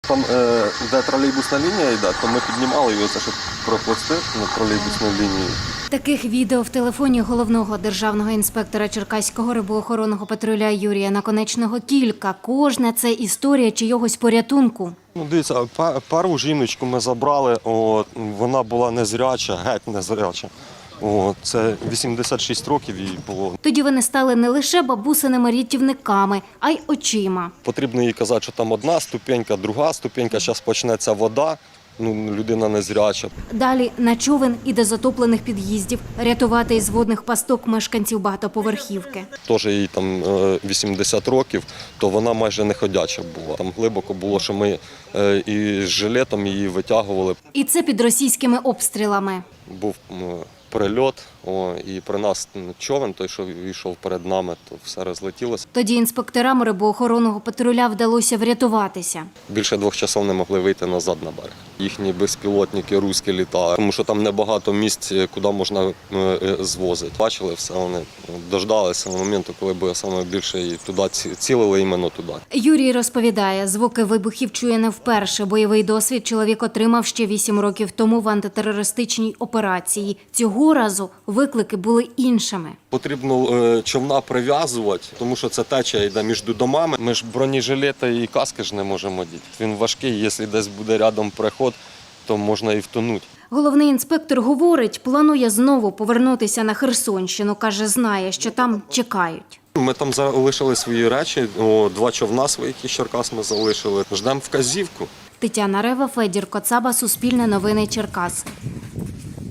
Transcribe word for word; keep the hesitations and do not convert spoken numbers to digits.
Там, де тролейбусна лінія йде, то ми піднімали його, щоб проплисти на тролейбусну лінію. Таких відео в телефоні головного державного інспектора Черкаського рибоохоронного патруля Юрія Наконечного кілька. Кожна – це історія чийогось порятунку. Ну, дивіться, першу жіночку ми забрали, от, вона була незряча, геть незряча. О, це вісімдесят шість років їй було. Тоді вони стали не лише бабусиними рятівниками, а й очима. Потрібно їй казати, що там одна ступенька, друга ступенька, зараз почнеться вода, ну, людина незряча. Далі на човен і до затоплених під'їздів рятувати із водних пасток мешканців багатоповерхівки. Теж їй там вісімдесят років, то вона майже не ходяча була. Там глибоко було, що ми і з жилетом її витягували. І це під російськими обстрілами. Був прильот, о, і при нас човен, той, що йшов перед нами, то все розлетілося. Тоді інспекторам рибоохоронного патруля вдалося врятуватися. Більше двох часов не могли вийти назад на берег. Їхні безпілотники руські літали, тому що там небагато місць, куди можна звозити. Бачили все, вони дождалися моменту, коли б саме більше і туди цілили, іменно туди. Юрій розповідає, звуки вибухів чує не вперше. Бойовий досвід чоловік отримав ще вісім років тому в антитерористичній операції. Цього разу виклики були іншими. Потрібно човна прив'язувати, тому що це течія йде між домами. Ми ж бронежилети і каски ж не можемо діти. Він важкий, якщо десь буде рядом переход, то можна і втонути. Головний інспектор говорить, планує знову повернутися на Херсонщину. Каже, знає, що там чекають. Ми там залишили свої речі, о, два човна своїх із Черкас ми залишили. Ждемо вказівку. Тетяна Рева, Федір Коцаба, Суспільне новини Черкас.